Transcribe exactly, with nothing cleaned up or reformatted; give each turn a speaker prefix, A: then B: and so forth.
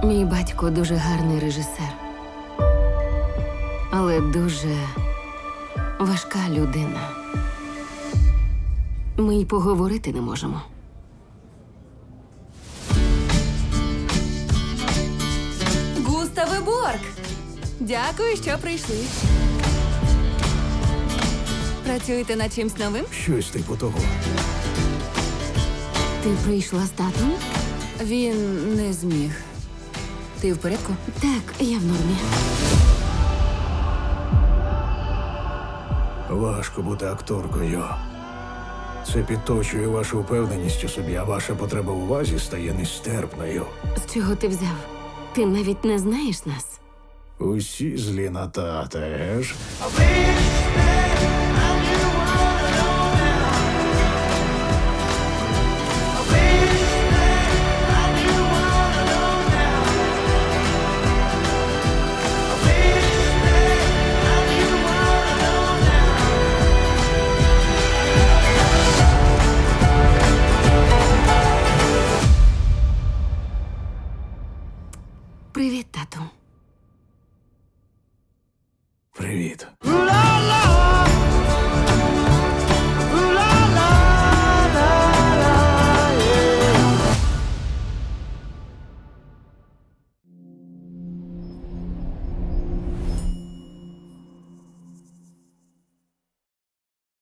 A: Мій батько дуже гарний режисер, але дуже важка людина. Ми й поговорити не можемо.
B: Густаве Борг! Дякую, що прийшли. Працюєте над чимсь новим?
C: Щось типу того.
A: Ти прийшла з татом?
B: Він не зміг. Ти в порядку?
A: Так, я в нормі.
C: Важко бути акторкою. Це підточує вашу впевненість у собі, а ваша потреба увазі стає нестерпною.
A: З чого ти взяв? Ти навіть не знаєш нас.
C: Усі злі на тата, еж?
A: Привіт, тату.
C: Привіт.